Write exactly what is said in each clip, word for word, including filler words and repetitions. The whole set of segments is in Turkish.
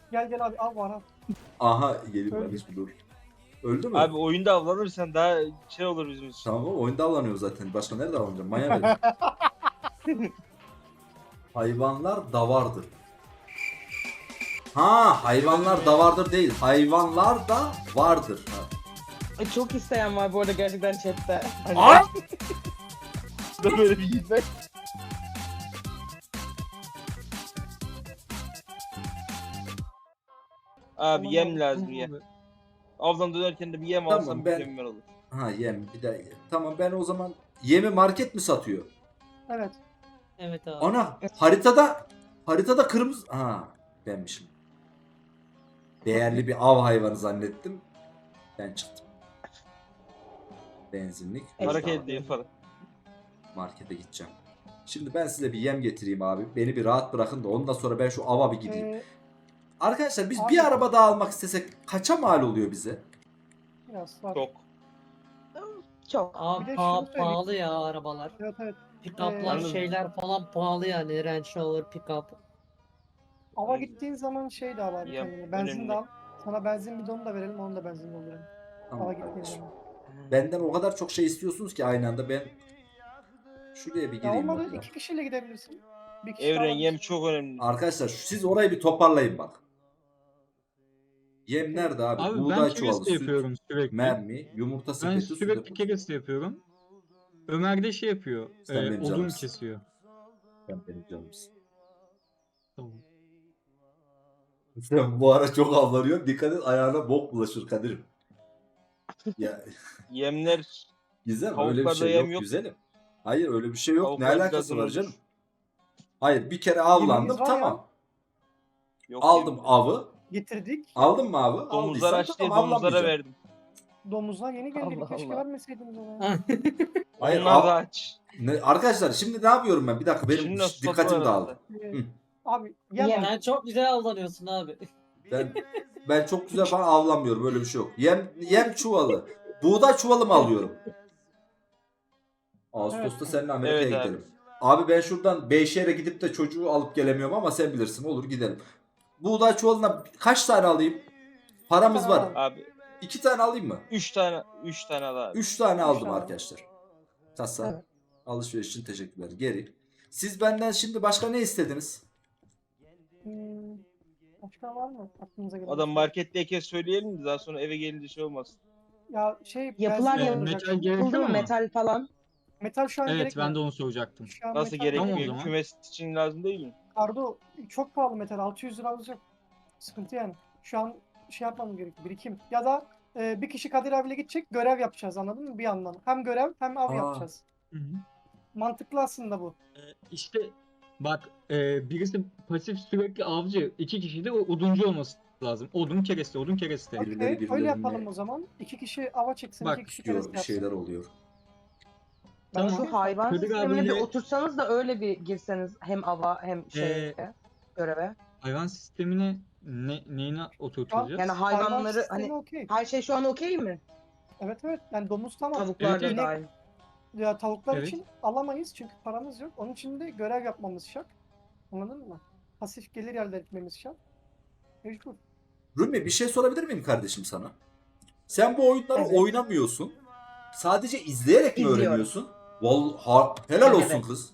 Gel gel abi al var al. Aha gelin Öldü. kardeşim dur. Öldü mü? Abi oyunda avlanırsan daha şey olur bizim için. Tamam oyunda avlanıyor zaten. Başka nerede avlanacağım? Maya verin. Hayvanlar davardır. Ha hayvanlar davardır değil. Hayvanlar da vardır. Ha. Ay, çok isteyen var bu arada gerçekten chatte. Hani Ay! Da böyle bir gitmek. Abi Tamam yem abi, lazım tamam yem. abi. Avdan dönerken de bir yem Tamam, alsam ben- mükemmel olur. Ha yem bir de. Tamam ben o zaman yemi market mi satıyor? Evet. Evet abi. Ana haritada haritada kırmızı. Ha benmişim. Değerli bir av hayvanı zannettim. Ben çıktım. Benzinlik. Hareket değil falan. Markete gideceğim. Şimdi ben size bir yem getireyim abi. Beni bir rahat bırakın da ondan sonra ben şu ava bir gideyim. Ee, Arkadaşlar biz abi- bir araba daha almak istesek kaça mal oluyor bize? biraz var. Çok. çok. Abi Bir de pa- şunu söyleyeyim. pahalı ya arabalar. Evet evet. Pick-up'lar Ee, şeyler falan pahalı yani. Range Rover pick-up. Ava gittiğin zaman şey de al abi Yem kendine. Benzin önemli. de al. Sana benzin bidonu da verelim onu da benzin dolduralım. Tamam Ava gittiğin kardeşim. zaman. Benden o kadar çok şey istiyorsunuz ki aynı anda ben şuraya bir Ya gireyim olmadı bakayım. iki kişiyle gidebilirsin. Bir kişi Evren alabilirsin. yem çok önemli. Arkadaşlar siz orayı bir toparlayın bak. Yem nerede abi? Abi ben Buğday kereste çuvalı, süt, yapıyorum sürekli. mermi, yumurta Ben sepeti, su sürekli deposu. kereste yapıyorum. Ömer de şey yapıyor. Sen E, benim odun canımsın. kesiyor. Sen benim canımsın. Tamam. Sen bu ara çok avlanıyorsun. Dikkat et ayağına bok bulaşır Kadir'im. Ya Yemler Gizem öyle bir Tavuklarda şey yem yok yok. güzelim. Hayır öyle bir şey yok. Ne Tavuklar alakası biraz var olur. canım? Hayır bir kere avlandım Yemeğimiz var tamam. yok. Aldım yem. avı. Getirdik. Aldın mı avı? Domuzlar Aldıysan aç diye tamam domuzlara avlanmayacağım. verdim. Domuzlar yeni geldi. Allah Keşke Allah. vermeseydiniz ona. Hayır, Onlar av- da aç. Ne, arkadaşlar şimdi ne yapıyorum ben? Bir dakika benim Şimdi nasıl dikkatim toplar dağıldı. Ee, Hı. Abi yem Yem. al. Sen çok güzel avlanıyorsun abi. Ben ben çok güzel falan avlanmıyorum. Böyle bir şey yok. Yem yem çuvalı. Buğday çuvalı mı alıyorum? Ağustos'ta Evet. seninle Amerika'ya Evet abi. gidelim. Abi ben şuradan Beyşehir'e gidip de çocuğu alıp gelemiyorum ama sen bilirsin. Olur gidelim. Buğday çuvalına kaç tane alayım? Paramız Bir tane var. al. Abi İki tane alayım mı? üç tane üç tane al abi. Üç tane Üç aldım tane al. arkadaşlar. Kasa. Evet. Alışveriş için teşekkürler. Geri. Siz benden şimdi başka ne istediniz? Hmm, başka var mı aklınıza gelen? Adam marketteyken söyleyelim de daha sonra eve gelince şey olmaz. Ya şey Yapılar benzin E, yap- olacak. metal Buldu gerekiyor mu mu? metal falan? Metal şu an Evet gerekmiyor. ben de onu soracaktım. Şu an Nasıl metal gerekmiyor? Tamam o zaman. Kümes için lazım değil mi? Kardo çok pahalı metal. altı yüz lira alacak. Sıkıntı yani. Şu an şey yapmam gerekiyor. Birikim. Ya da e, bir kişi Kadir abiyle gidecek. Görev yapacağız anladın mı? Bir yandan. Hem görev hem av Aa. yapacağız. Hı hı. Mantıklı aslında bu. E, işte bak e, birisi pasif sürekli avcı. İki kişi de o- oduncu olması lazım. Odun kereste, odun kereste. Birileri Okey. birilerini- Öyle yapalım o zaman. İki kişi ava çıksın. Bak, iki kişi Diyor kereste bir yapsın. şeyler oluyor. Ben Tamam. okey. Şu hayvan Kadir sistemine bir abiyle- otursanız da öyle bir girseniz hem ava hem şeye Ee, göreve. Hayvan sistemine ne, neyine oturtacağız? Yani Hayvan hayvanları sistemi hani okey. her şey şu an okey mi? Evet evet. Yani domuz tamam. Tavuklar Evet, da evet. dahil. Ya tavuklar Evet. için alamayız çünkü paramız yok. Onun için de görev yapmamız şart. Anladın mı? Pasif gelir elde etmemiz şart. Mecbur. Rumi bir şey sorabilir miyim kardeşim sana? Sen bu oyunları Evet. oynamıyorsun. Sadece izleyerek mi İzliyorum. öğreniyorsun? Vallahi helal olsun Evet. kız.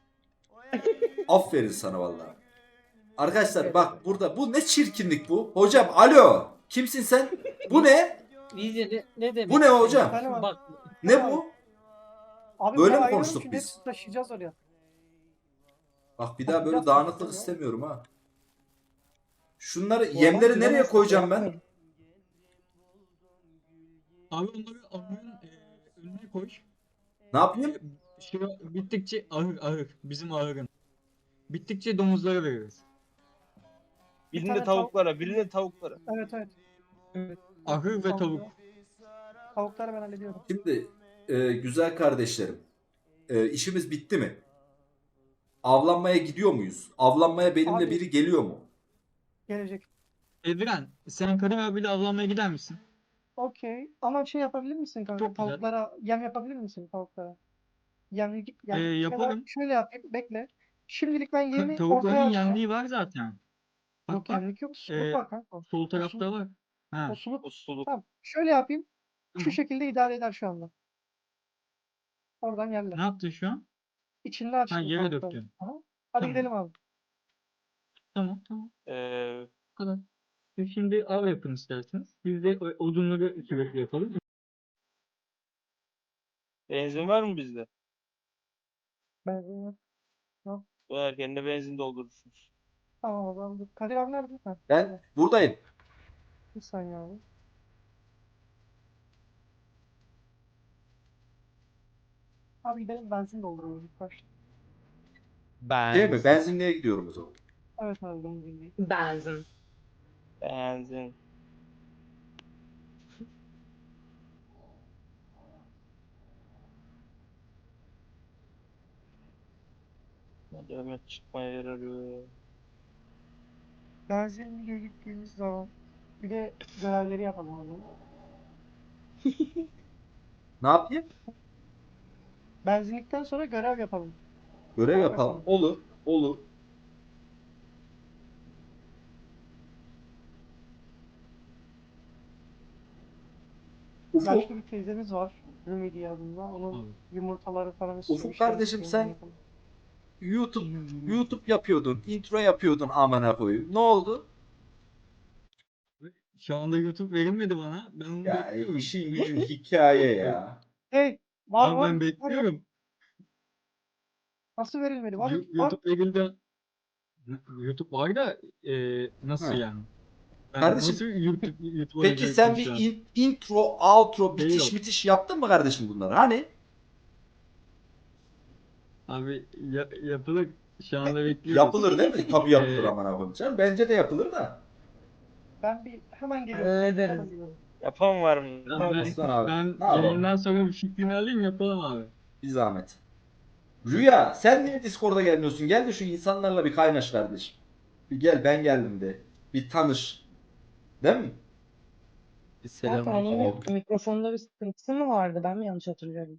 Aferin sana vallahi. Arkadaşlar Evet. bak burada bu ne çirkinlik bu? Hocam alo. Kimsin sen? Bu ne? Vizye ne, ne demek? Bu ne hocam? Efendim abi. Bak Ne bu? Abi Böyle buraya mi ayırıyorum konuştuk çünkü biz? hepsini taşıyacağız oraya. Bak bir daha böyle Bakacağız dağınıklık tabii. istemiyorum ha. Şunları O yemleri zaman nereye bilemezsin, koyacağım ben? yapmayın. abi onları ahırın e, önüne koy. Ne yapayım? E, Şu bittikçe ahır ahır bizim ahırın. Bittikçe domuzlara veririz. Birinde tane tavuklara, birinde tavuklara. Evet evet. Ahır ve tavuk. Tavukları ben hallediyorum. Şimdi e, güzel kardeşlerim. E, işimiz bitti mi? Avlanmaya gidiyor muyuz? Avlanmaya benimle Abi- biri geliyor mu? Gelecek. Evren sen Kadir abiyle avlanmaya gider misin? Okey. Ama şey yapabilir misin kanka? Çok güzel. Tavuklara yem yapabilir misin tavuklara? Yem, yem Ee, ya da yaparım. şöyle yapayım. Bekle. Şimdilik ben Ka- yemi Tavukların ortaya atacağım. yenliği var zaten. Bak Yok bak. gemlik yok. Suluk Ee, var kanka. Sol tarafta var. Ha. O suluk. O suluk. Tamam. Şöyle yapayım. Şu Tamam. şekilde idare eder şu anda. Oradan Ne yerler. yaptın şu an? İçinde Ha açtım yere tavukları. döktün. Aha. Hadi Tamam. gidelim abi. Tamam tamam. Ee, Bu kadar. Siz şimdi av yapın isterseniz. Biz de o- odunları sürekli yapalım. benzin var mı bizde? Ben Eğer kendine benzin doldurursunuz. tamam o zaman. dur. Kadir abi nerede? Ha, Ben buradayım. bir saniye abi. Abi gidelim benzin dolduralım ilk başta. Değil mi? Benzinliğe gidiyorum o zaman. Evet abi benzin değil. Benzin. Benzin. Hadi Ömer çıkmaya yer arıyor. Benzinliğe gittiğimiz zaman bir de görevleri yapalım abi. Ne yapayım? Benzinlikten sonra görev yapalım. Görev Av yapalım. yapalım. Olur. Olur. Ufuk. Yaşlı bir teyzemiz var. Ümidi adında. Onun Abi. yumurtaları falan Ufuk bir şey kardeşim, istiyorum, sen- yapalım. YouTube YouTube yapıyordun. Intro yapıyordun amına koyayım. Ne oldu? Şu anda YouTube verilmedi bana. Ben onu Ya bekliyorum. işin gücün hikaye ya. Hey, var Abi var. ben var, bekliyorum. Nasıl verilmedi? Var, Yu- var. YouTube verildi. YouTube var da e, nasıl Ha. yani? Ben Kardeşim, nasıl YouTube, YouTube'a Peki sen verecektim bir şu an? in- intro, outro, Değil bitiş o. bitiş yaptın mı kardeşim bunları? Hani? Abi ya- yapılır. Şu anda bekliyoruz. Yapılır değil mi? Tabii yapılır Ee, amına koyayım. Canım, bence de yapılır da. Ben bir hemen geliyorum. Hallederiz. Hemen geliyorum. Yapan var mı? Ben, ben, Aslan abi. ben Ne yapalım? yayından sonra bir fikrini alayım yapalım abi. Bir zahmet. Rüya, sen niye Discord'a gelmiyorsun? Gel de şu insanlarla bir kaynaş kardeşim. Bir gel, ben geldim de. Bir tanış. Değil mi? Zaten onun Aleyküm. bir mikrofonda bir sıkıntısı mı vardı? Ben mi yanlış hatırlıyorum?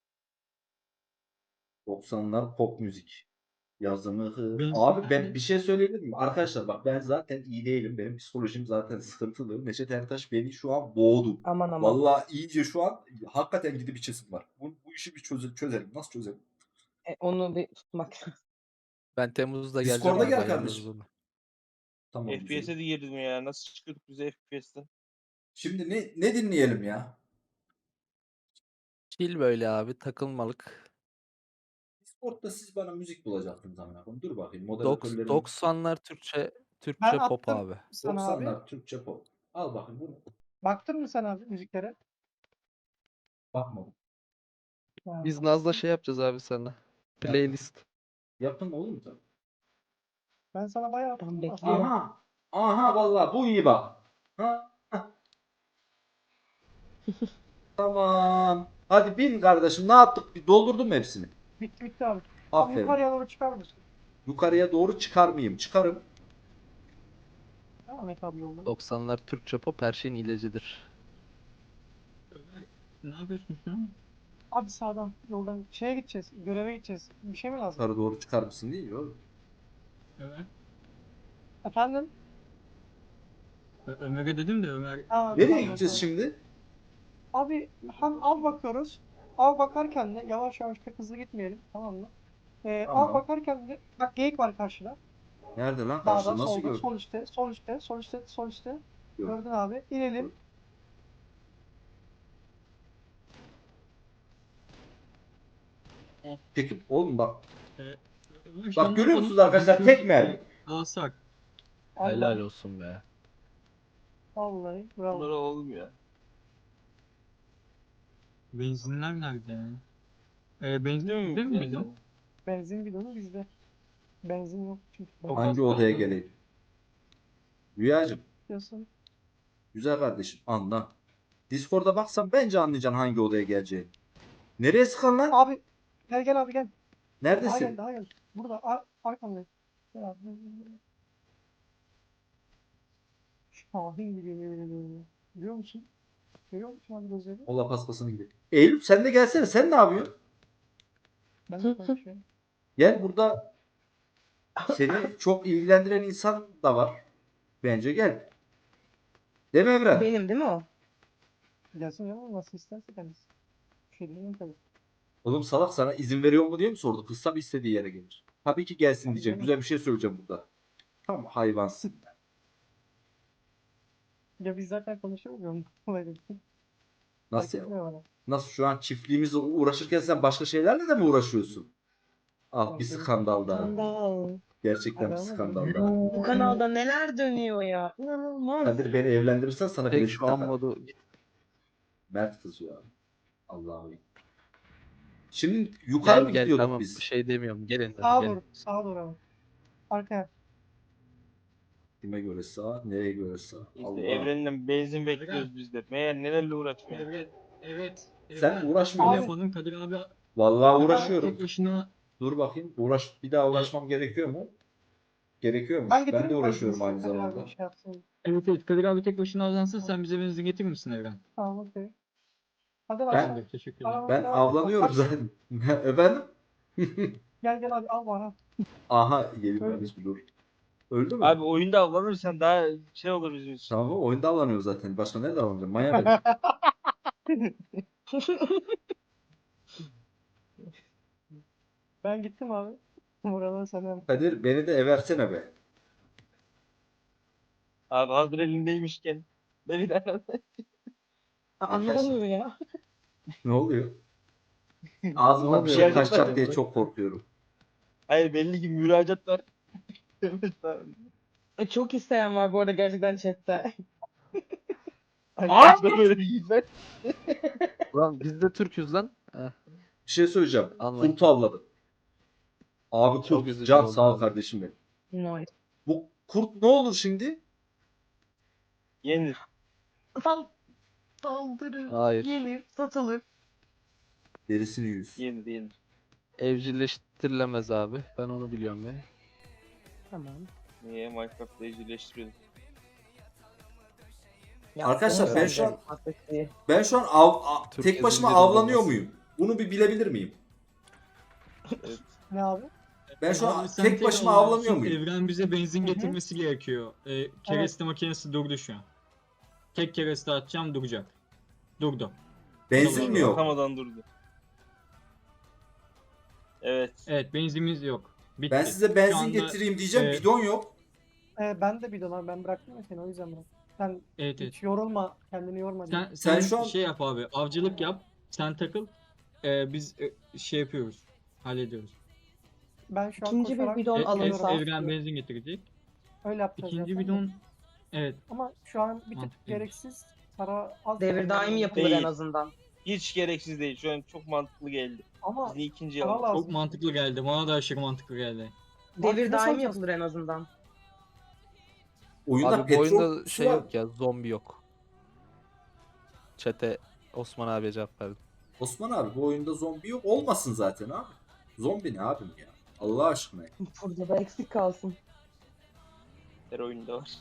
doksanlar pop müzik. Yazımı hı. Ben- Abi ben bir şey söyleyebilir miyim? Arkadaşlar bak, ben zaten iyi değilim. Benim psikolojim zaten sıkıntılı. Neşet Ertaş beni şu an boğdu. Aman aman. Vallahi iyice şu an hakikaten gidip içesim var. Bu, bu işi bir çöze- çözelim. Nasıl çözelim? E, onu bir tutmak. Ben Temmuz'da geleceğim Discord'a abi, gel ayarlarız kardeşim. onu. Tamam. F P S'e güzel. de girdim ya. Nasıl çıkıyorduk biz F P S'ten? Şimdi ne ne dinleyelim ya? Chill böyle abi, takılmalık. Discord'da siz bana müzik bulacaktınız amına koyayım. Dur bakayım Doks- moderatörlerim. doksanlar Türkçe Ben Türkçe pop attım abi. sana abi. doksanlar Türkçe pop. Al bakayım bunu. Baktın mı sen abi müziklere? Bakmadım. Ha. Biz Naz'la şey yapacağız abi sana. Playlist. Yapın oğlum sen. Ben sana bayağı Ben attım. bekliyorum. Aha. Aha vallahi bu iyi bak. Ha? ha. Tamam. Hadi bin kardeşim. Ne yaptık? Bir doldurdun mu hepsini? Bitti bitti abi. Abi Aferin. yukarıya doğru çıkar mısın? Yukarıya doğru çıkar mıyım? Çıkarım. Devam et abi yolda. doksanlar Türkçe pop her şeyin ilacıdır. Ne yapıyorsun şu an? Abi sağdan yoldan şeye gideceğiz. Göreve gideceğiz. Bir şey mi lazım? Yukarı doğru çıkar mısın değil mi oğlum? Evet. Efendim? Ö- Ömer'e dedim de Ömer Aa, Nereye tamam, gideceğiz tamam. şimdi? Abi hem av bakıyoruz. Av bakarken de yavaş yavaş pek hızlı gitmeyelim. Tamam mı? Ee, Tamam. Av bakarken de bak geyik var karşıda. Nerede lan? Dağda Karşıda nasıl solda gördün? sol üstte sol üstte sol üstte sol üstte. Gördüm. Gördün abi. İnelim. Peki oğlum bak. Ömer şu Bak anda görüyor onu- musunuz arkadaşlar? Tek mermi. Alsak. Allah. Helal olsun be. Vallahi bravo. Bunlara olmuyor. Benzinler nerede yani? Ee, benzin Değil mi? değil mi bizim? Benzin bidonu bizde. Benzin yok çünkü. Çok Ben Hangi az odaya kaldı. geleyim? Rüyacığım. diyorsun. Güzel kardeşim anla. Discord'a baksan bence anlayacaksın hangi odaya geleceğini. Nereye sıkan lan? Abi gel gel abi gel. Daha gel Neredesin? daha gel. Burada ar arkamda. Gel abi. Şahin gibi yemin ediyorum. Biliyor musun? Görüyor musun abi gözleri? Mola paspasını gibi. Eylül sen de gelsene. Sen ne yapıyorsun? Ben de konuşuyorum. Gel, burada seni çok ilgilendiren insan da var. Bence gel. Değil mi Emre? Benim değil mi o? Gelsin ya nasıl isterse kendisi. Bir şey diyeyim tabii. Oğlum salak sana izin veriyor mu diye mi sordu? Kızsam istediği yere gelir. Tabii ki gelsin diyecek. Güzel bir şey söyleyeceğim burada. Tam hayvansın. Ya biz zaten konuşamıyor muyuz? Nasıl Fark ya? etmiyor bana. Nasıl şu an çiftliğimizle uğraşırken sen başka şeylerle de mi uğraşıyorsun? Ah bir Tabii. skandal daha. Skandal. Gerçekten bir Abi ama skandal daha. Bu kanalda neler dönüyor ya? İnanılmaz. Kadir beni evlendirirsen sana Tek bilezik şu an takar. modu Mert kızıyor abi. Allah'ım. Şimdi yukarı gel mı gel gidiyorduk tamam biz? bir şey demiyorum. Gelin Sağa hadi doğru. gelin. Sağa doğru ama. Arkaya. Kime göre sağ, nereye göre sağ? İşte Allah. evreninden benzin bekliyoruz biz de. Meğer nelerle uğraşıyor. Evet. Evet. Sen uğraşmıyor Abi. musun? Yapalım Kadir abi. Vallahi uğraşıyorum. Tek başına Dur bakayım. Uğraş, bir daha uğraşmam gerekiyor mu? Gerekiyormuş. Ben Ben, getireyim de mi? uğraşıyorum Ben aynı Kadir abi zamanda. Şey yapsın. evet evet Kadir abi tek başına avlansın sen bize benzin getirir misin Evren? Tamam okey. Hadi Ben- başla. Tamamdır teşekkür ederim. Ben avlanıyorum zaten. Efendim? Gel gel hadi al bana. Aha yeni Öyle. bir dur. Öldü mü? Abi oyunda avlanırsan daha şey olur bizim için. Tamam oyunda avlanıyor zaten. Başka nerede avlanacağım? Manyak herif. Ben gittim abi. Buradan sana. Kadir beni de eversene be. Abi hazır elindeymişken. Beni de Aa, ne oluyor ya? Ne oluyor? Ağzımdan bir Ne şey oluyor? kaçacak diye çok korkuyorum. Hayır belli ki müracaat var. Evet abi. E, Çok isteyen var bu arada gerçekten chatte. Ağzına böyle yiyecek. Ulan biz de Türk'üz lan. Heh, Bir şey söyleyeceğim. Anlayın. Kurt avladım. Abi Çok kurt. üzücü Can oldu sağ ol abi. kardeşim benim. Nice. Bu kurt ne olur şimdi? Yenir. Sal saldırır. Hayır. Yenir, satılır. Derisini yüz. Yenir yenir. Evcilleştirilemez abi. Ben onu biliyorum ya. Tamam. Niye Minecraft'ta evcilleştiriyoruz? Ya, Arkadaşlar, onu ben sen şu an- de affet. Ben şu an av, a- Türk tek başıma yazıcıları avlanıyor olmaz. muyum? Bunu bir bilebilir miyim? Ne abi? Ben şu an Abi sen tek başıma avlansın, avlanıyor muyum? Evren bize benzin Hı hı. getirmesi gerekiyor. E, kereste makinesi durdu şu an. Tek kereste atacağım duracak. Durdu. Benzin mi yok? Atamadan durdu. Evet. Evet benzinimiz yok. Bitti. Ben size Şu benzin anda- getireyim diyeceğim. e, Bidon yok. Ee, ben de bidon abi. Ben bıraktım ya seni o yüzden bıraktım. Sen Evet evet. hiç yorulma. Kendini yorma diye. Sen, Sen sen, şu an- şey yap abi. Avcılık yap. Sen takıl. E, biz e, şey yapıyoruz. Hallediyoruz. Ben şu an İkinci bir koşarak bidon E, e, alınsa. Evren benzin getirecek. öyle yapacağız İkinci zaten de. bidon evet. Ama şu an bir tık Mantıklıymış. gereksiz para az. Devir daim yapılır Değil. en azından. Hiç gereksiz değil. Şu an çok mantıklı geldi. Ama Bizi ikinci para aldı. lazım. Çok mantıklı geldi. Bana da aşırı mantıklı geldi. Bak, Devir nasıl daim alacağız? yapılır en azından. Oyunda Abi bu petrol oyunda kutusu şey var. yok ya, zombi yok. Çete Osman abiye cevap verdim. Osman abi bu oyunda zombi yok. Olmasın zaten abi. Zombi ne abim ya? Allah aşkına. Burada da eksik kalsın. Her oyunda var.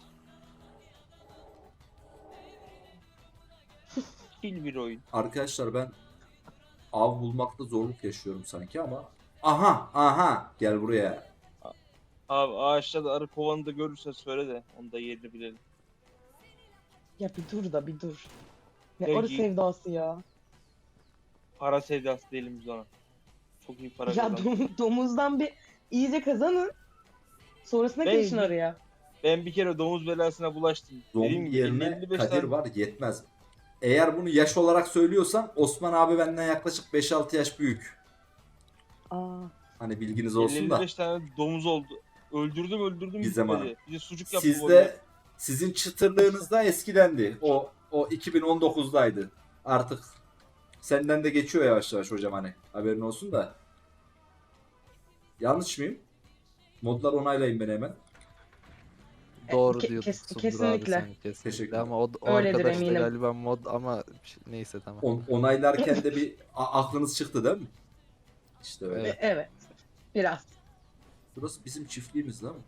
Fil bir oyun. Arkadaşlar ben av bulmakta zorluk yaşıyorum sanki ama. Aha aha gel buraya. Abi ağaçta da arı kovanı da görürsen söyle de onu da yerini bilelim. Ya bir dur da bir dur. Ne Peki. arı sevdası ya. Para sevdası değilim biz ona. Çok iyi para Ya kazandık. dom- domuzdan bir iyice kazanın. Sonrasına Ben- girişin araya. Ben bir kere domuz belasına bulaştım. Dediğim Zombi gibi yerine elli beş Kadir tane var yetmez. Eğer bunu yaş olarak söylüyorsan Osman abi benden yaklaşık beş altı yaş büyük. Aa, Hani bilginiz olsun elli da. beş tane domuz oldu. Öldürdüm öldürdüm. Bir zaman. bitmedi. Bir de sucuk yaptım. Sizde sizin çıtırlığınızda eskidendi. O o iki bin on dokuzdaydı. Artık senden de geçiyor yavaş yavaş hocam hani. Haberin olsun da. Yanlış mıyım? Modlar onaylayın beni hemen. Doğru ke- diyorsun kes- abi kesinlikle. sen, kesinlikle. Teşekkürler. Ama o, o Öyledir arkadaş da eminim. galiba mod ama neyse tamam. On- onaylarken de bir a- aklınız çıktı değil mi? İşte öyle. Evet. e- evet. Biraz. Burası bizim çiftliğimiz değil mi?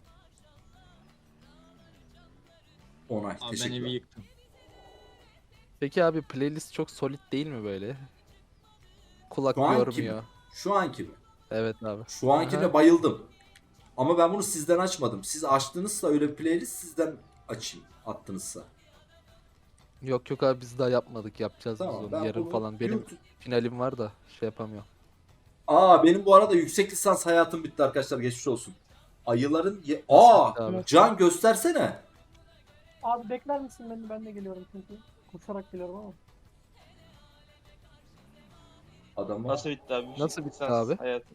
Onay. Abi ben Teşekkürler. evi yıktım. Peki abi playlist çok solid değil mi böyle? Kulak Şu anki yormuyor. Şu anki mi? Evet abi. Şu ankine Aha. bayıldım. Ama ben bunu sizden açmadım. Siz açtığınızda öyle bir playlist sizden açayım attınızsa. Yok yok abi biz daha yapmadık. Yapacağız Tamam, biz ben onu yarın bunu falan. Benim YouTube- finalim var da şey yapamıyorum. Aa benim bu arada yüksek lisans hayatım bitti arkadaşlar, geçmiş olsun. Ayıların ye- Nasıl Aa bitti abi? Can göstersene. Abi bekler misin beni? Ben de geliyorum çünkü. Koşarak geliyorum ama. Adamı. Nasıl bitti abi? Nasıl bitti Lisans abi? Hayatım.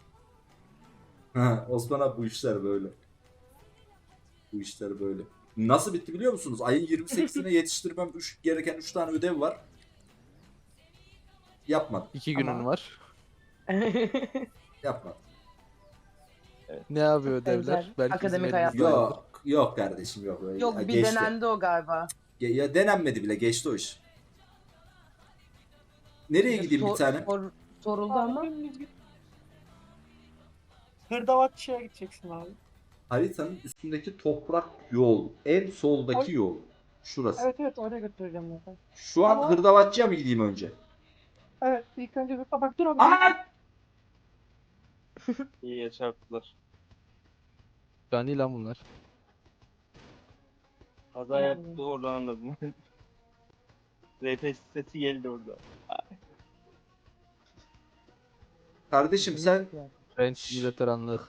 Ha, Osman abi bu işler böyle. Bu işler böyle. Nasıl bitti biliyor musunuz? Ayın yirmi sekizine yetiştirmem üç, gereken üç tane ödev var. Yapmadım. İki Ama- günün var. Yapmadım. Ne abi Çok ödevler? benzer. Belki Akademik bizim hayat. elimizde vardır. Yok, yok kardeşim yok. Öyle- Yok ya bir geçti. denendi o galiba. Ge- Ya denenmedi bile, geçti o iş. Nereye gideyim bir Sor- tane? sor- soruldu Abi ama. dümdüz git. Hırdavatçı'ya gideceksin abi. Haritanın üstündeki toprak yol. En soldaki Ay. yol. Şurası. Evet evet oraya götüreceğim zaten. Şu an Ama- hırdavatçıya mı gideyim önce? Evet ilk önce hırda bak dur abi. Aa! İyi çarptılar. Cani lan bunlar. Kaza yaptı oradan anladım. R P sesi geldi orada. Kardeşim sen French veteranlık.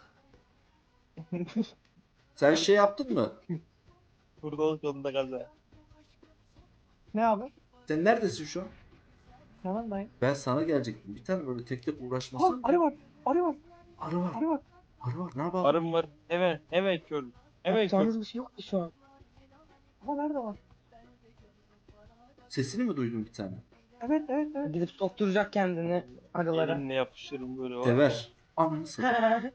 sen şey yaptın mı? Burada yolunda kaza. Ne abi? Sen neredesin şu an? Yanındayım. Ben sana gelecektim. Bir tane böyle tek tek Ha, uğraşmasın. arı var. Arı var. Arı var. Arı var. Arı var. Ne yapalım? Arım var. Hemen hemen kör. Hemen kör. Yapacağınız bir şey yok ki şu an. Ama nerede var? Sesini mi duydun bir tane? Evet evet evet. Gidip sokturacak kendini arılara. Elimle yapışırım böyle. var. Dever. Ananı satayım.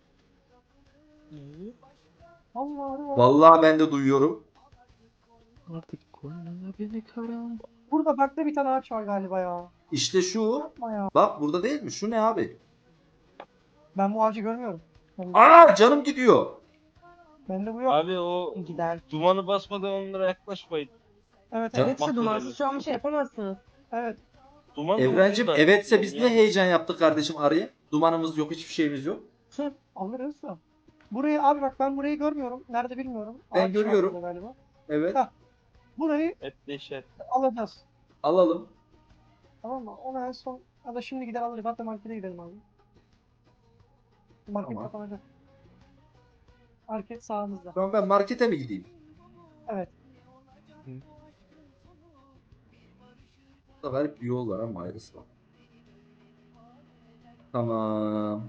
Allah arı var. Vallahi ben de duyuyorum. Artık koynuna beni karam. Burada farklı bir tane ağaç var galiba ya. İşte şu. Yapma ya. Bak burada değil mi? Şu ne abi? Ben bu ağacı görmüyorum. Ben, Aa canım gidiyor. bende bu yok. Abi o Giden. dumanı basmadan onlara yaklaşmayın. Evet Ya- evet. Evet işte dumansız Mahvoluruz. şu an bir şey yapamazsınız. Evet. Duman da Evrencim ucunda. evetse biz Ya. ne heyecan yaptık kardeşim arıya. Dumanımız yok, hiçbir şeyimiz yok. Hı, alırız da. Burayı abi bak ben burayı görmıyorum. Nerede bilmiyorum. Ben Ağaç var görüyorum. burada Galiba. Evet. Ha. Burayı Et deşer. alacağız. Alalım. Tamam mı? Onu en son ya da şimdi gider alırız. Hatta markete gidelim abi. Market Tamam. kapanacak. Market sağımızda. Tamam ben markete mi gideyim? Evet. Burada garip bir yol var ama ayrısı var. Tamam.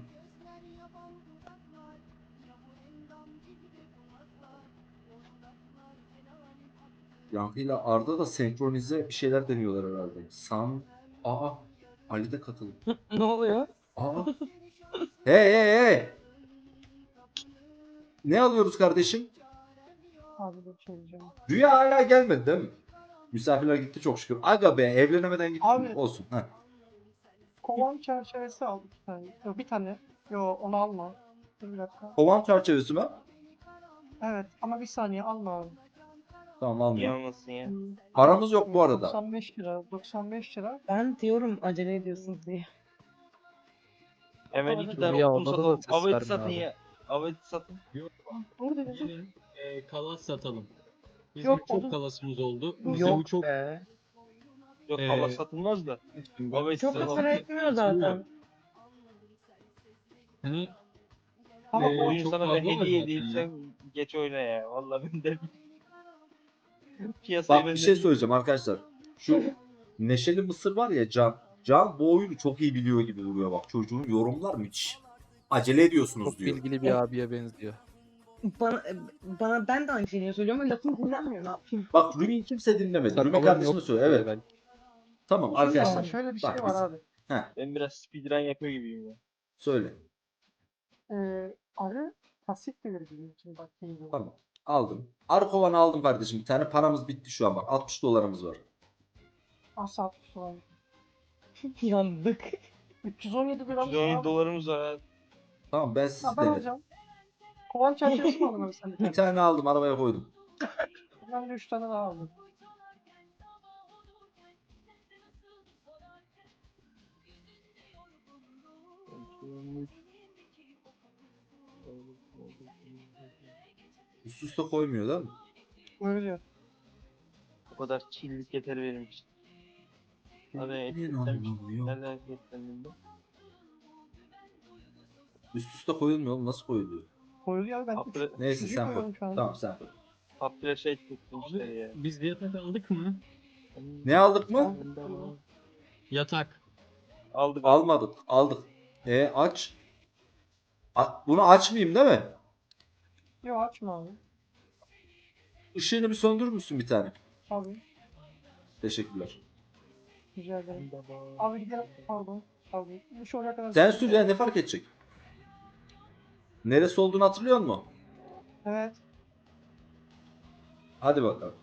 Yankı ile Arda da senkronize bir şeyler deniyorlar herhalde. San... Aa! Ali de katıldı. Ne oluyor? Aa! Hey hey hey! Ne alıyoruz kardeşim? Abi bir şey diyeceğim. Rüya hala gelmedi değil mi? Misafirler gitti çok şükür. Aga be evlenemeden gitti. Abi. Olsun. Heh. Kovan çerçevesi al iki tane. Yok bir tane. Yok onu alma. Dur bir dakika. Kovan çerçevesi mi? Evet ama bir saniye alma abi. Tamam Niye almıyorum. olmasın ya? Hmm, Paramız yok bu arada. doksan beş lira. doksan beş lira. Ben diyorum acele ediyorsunuz diye. Hemen Abi, iki tane ya, odun odada da satalım. ses Avet verme satın abi. ya. Avet satın. Dur dedim. Gelin e, kalas satalım. Bizim Yok, çok odun- kalasımız oldu. Bize bu Yok çok be. Yok Ee, hava satılmaz da. Avet Çok da satalım. para etmiyor zaten. hani Ama Ee, Oyun çok sana fazla ben var hediye zaten edeyim ya. sen geç oyna ya. Vallahi ben de piyasayı Bak ben bir de- şey söyleyeceğim arkadaşlar. Şu Neşeli Mısır var ya Can. Can bu oyunu çok iyi biliyor gibi duruyor bak. Çocuğun yorumlar müthiş. Acele ediyorsunuz Çok diyor. bilgili bir abiye benziyor. Bana, bana ben de aynı şeyi söylüyorum ama lafım dinlenmiyor ne yapayım. Bak Rümi'yi kimse dinlemedi. Rümi Sakalım kardeşim de yok söylüyor. Evet. belki. Tamam Şöyle, arkadaşlar. şöyle bir şey bak var biz- abi. Heh, Ben biraz speedrun yapıyor gibiyim ya. söyle. Ee, arı pasif gelir bizim için bak. iyi bu. Tamam. Aldım. Arkovan'ı aldım kardeşim. Bir tane paramız bitti şu an bak. altmış dolarımız var. Asla altmış dolar. Yandık. üç yüz on yedi gram. yüz on yedi dolarımız var ha. Tamam ben siz Ha, ben denedim. alacağım. Kovan çerçevesi mi aldın abi sen bir Bir tane? tane aldım arabaya koydum. Ben de üç tane daha aldım. Üst üste koymuyor değil mi? Buyuruyor. O kadar çillik yeter benim için. Abi Neyin etiketlenmiş. anlamı yok? Nereden etiketlendim ben? Üst üste koyulmuyor oğlum, nasıl koyuluyor? Koyuluyor abi ben üç, Apre- Neyse üçüncüyü sen koy. koyuyorum şu an. Tamam sen koy. Paprika etiketlemişler Abi ya. biz de yatak aldık mı? Ne aldık mı? Yatak. Aldık. Almadık. Aldık. E aç. A- bunu açmayayım değil mi? Yok açma abi. Işığını bir söndürür müsün bir tane? Abi Teşekkürler. rica ederim. Abi gidelim. Pardon. Pardon. Bu şu oraya kadar. Sen sür ya, ne fark edecek? Neresi olduğunu hatırlıyor musun? Evet. Hadi bakalım.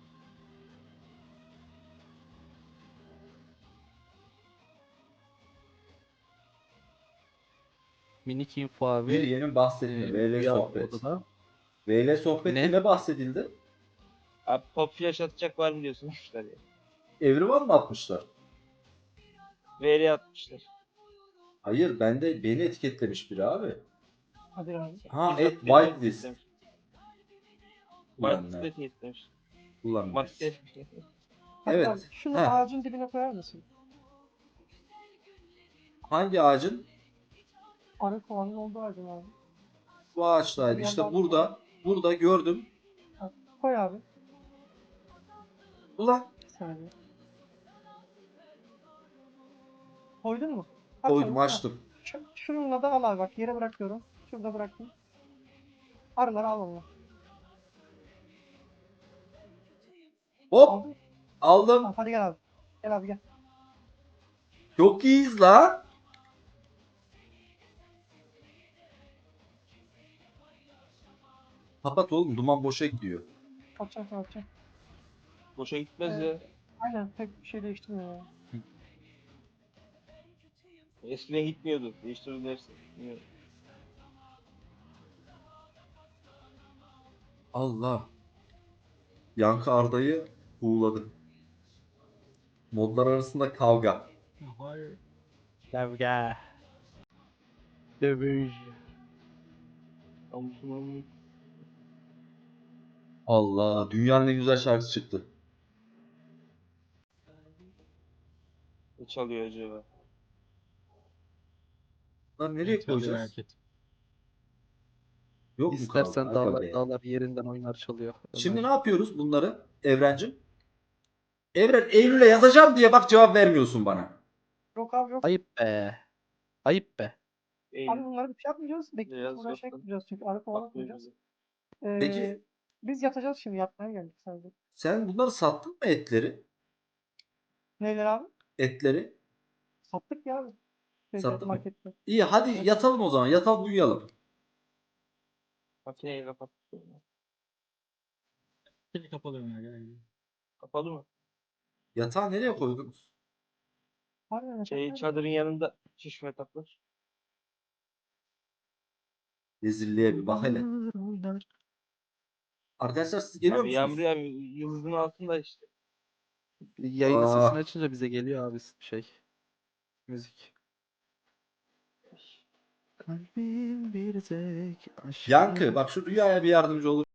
Minik info abi. Bir yeni bahsetme. Ee, V L Rüya sohbet. odada. V L sohbette Ne? ne bahsedildi? Abi pop flash atacak var mı diyorsunuz ya. Evrivan mı atmışlar? Veri atmışlar. Hayır, bende beni etiketlemiş biri abi. Hadi abi. Ha, Bizzat et beni whitelist. etiketlemiş. Ulan Whitelist ne? etiketlemiş. Ulan ne? Madde. Hadi Evet. abi. Şunu Heh. ağacın dibine koyar mısın? Hangi ağacın? Arı kovanın olduğu ağacın abi. Bu ağaçtaydı. Bir İşte yandan- burada. Burada gördüm. Koy abi. Ulan Bir saniye. Koydun mu? Aç koydum, abi. açtım. Şu- Şununla da al abi bak yere bırakıyorum. Şurada bıraktım. Arıları al onu. Hop Aldın. aldım. Tamam, hadi gel abi. Gel abi gel. Çok iyiyiz lan. Kapat oğlum, duman boşa gidiyor. Atacağım sana atacağım. Boşa gitmez Evet. ya. Aynen pek bir şey değiştirmiyor ya. Eskiden gitmiyordu. Değiştirirlerse. Bilmiyorum. Allah. Yankı Arda'yı buğuladı. Modlar arasında kavga. Hayır. Kavga. Dövüş. Amsunum. Allah, dünyanın en güzel şarkısı çıktı. Ne çalıyor acaba? Lan nereye Hadi koyacağız? merak et. Yok mu İstersen kaldı? Aga dağlar, be. dağlar yerinden oynar çalıyor. Şimdi Ömer. ne yapıyoruz bunları Evrencim? Evren, Eylül'e yazacağım diye bak cevap vermiyorsun bana. Yok abi yok. Ayıp be. Ayıp be. Eylül. Abi bunları bir şey yapmayacağız. Bekleyeceğiz. Biraz Uğraşa yoktan. gideceğiz çünkü arı kovalatmayacağız. Bakmıyor Ee, Peki. Biz yatacağız şimdi yatmaya geldik sadece. Sen bunları sattın mı, etleri? Neyler abi? Etleri? Sattık ya abi. Şeyde, Sattın mı? markette. İyi, hadi Evet. yatalım o zaman. Yatalım, uyuyalım. Makineyi kapat. Seni kapalı Ömer gel. Kapalı mı? Yatağı nereye koydunuz? Harbiden Şey yatak çadırın yanında şişme yataklar. Rezilliğe bir bak hele. Oynar. Arkadaşlar siz geliyor Abi musunuz? yağmur yağmıyor. Yıldızın altında işte. Yayının Aa. sesini açınca bize geliyor abi şey. Müzik. Kalbim bir tek aşk. Yankı, bak şu rüyaya bir yardımcı olur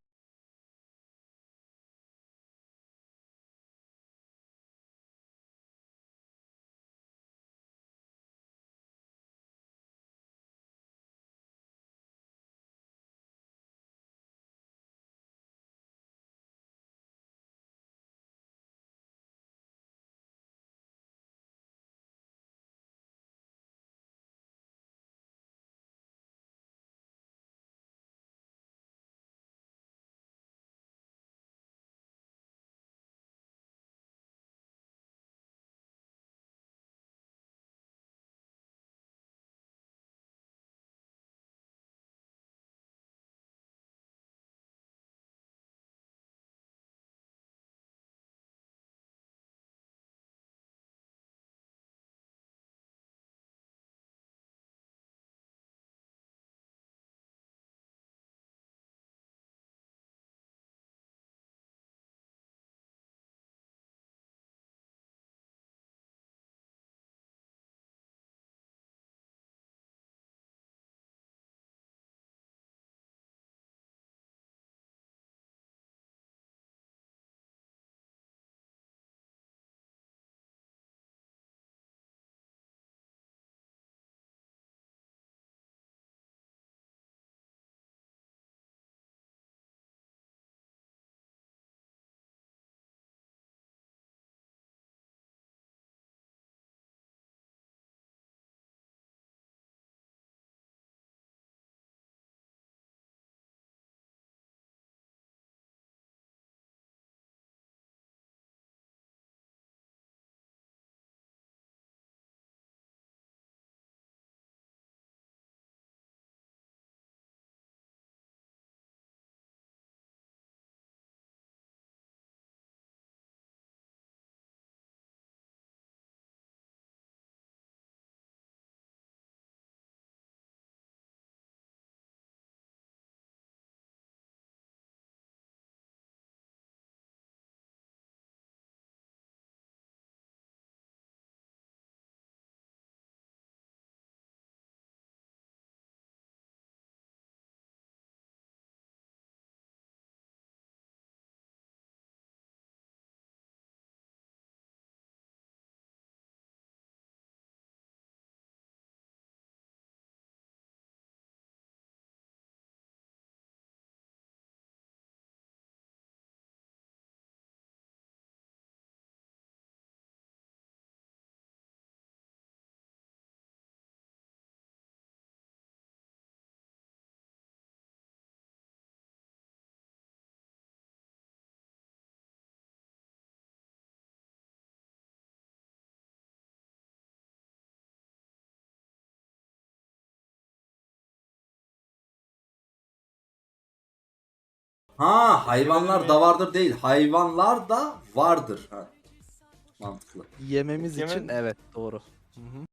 Ha hayvanlar da vardır değil. Hayvanlar da vardır. Ha. Mantıklı. Yememiz Yemen- için evet doğru. Hı hı.